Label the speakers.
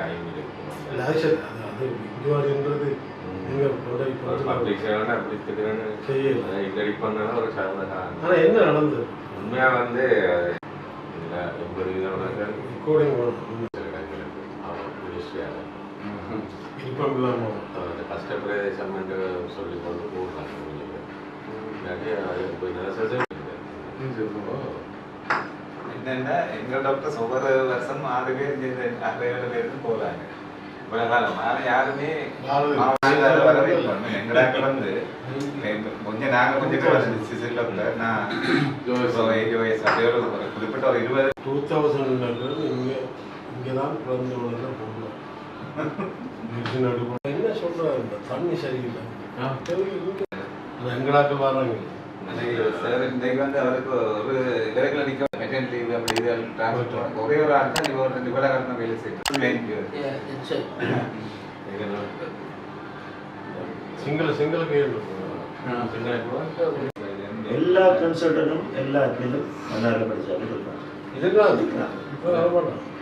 Speaker 1: Time இருக்கும்.
Speaker 2: அது இங்குவாடுன்றது
Speaker 1: public சேவனா அப்படி திடீர்னு இல்லடி பண்ணாலும் ஒரு சாதனை.
Speaker 2: ஆனால் என்ன நடந்தது
Speaker 1: உண்மையாக வந்து இதில் 80 விதமானங்கள்
Speaker 2: ரெக்கார்டிங்
Speaker 1: மினிஸ்ட்ரியாக
Speaker 2: விருப்பம் இல்லாமல்
Speaker 1: கஷ்ட பிரதேசம் என்று சொல்லி கொண்டு போடுறாங்க.
Speaker 3: என்னென்னா எங்கள் டாக்டர்ஸ் ஒவ்வொரு வருஷம் 6 பேர் 6-7 பேருக்கு போகிறாங்க. இவ்வளோ காலம் ஆனால் யாருமே வரவேற்போம். எங்களாக்கு வந்து கொஞ்சம் நாங்கள் கொஞ்சம் வந்து சிசில் டாக்டர் நான் 80 வயசு அப்படியே ஒரு குறிப்பிட்ட ஒரு
Speaker 2: 2000 இங்கே தான் பிறந்து உடனே போகலாம். என்ன சொல்கிறாங்க தண்ணி சரியில்லை எங்களாக்கு வராங்க.
Speaker 3: சார் இன்றைக்கு வந்து அவருக்கு ஒரு இடத்துல நிற்க மெட்டர்னிட்டி லீவ் அப்படி இது டிரான்ஸ்ஃபர் ஒரே ஒரு ஆள் தான் இவர் 2 பேரை கடந்த வேலை செய்யும்.
Speaker 2: சிங்கள கேள்வி
Speaker 4: எல்லா கன்சல்டனும் எல்லா அட்மினும் நல்லா படிச்சாலும் இருப்பாங்க.
Speaker 2: இதுதான் இப்போ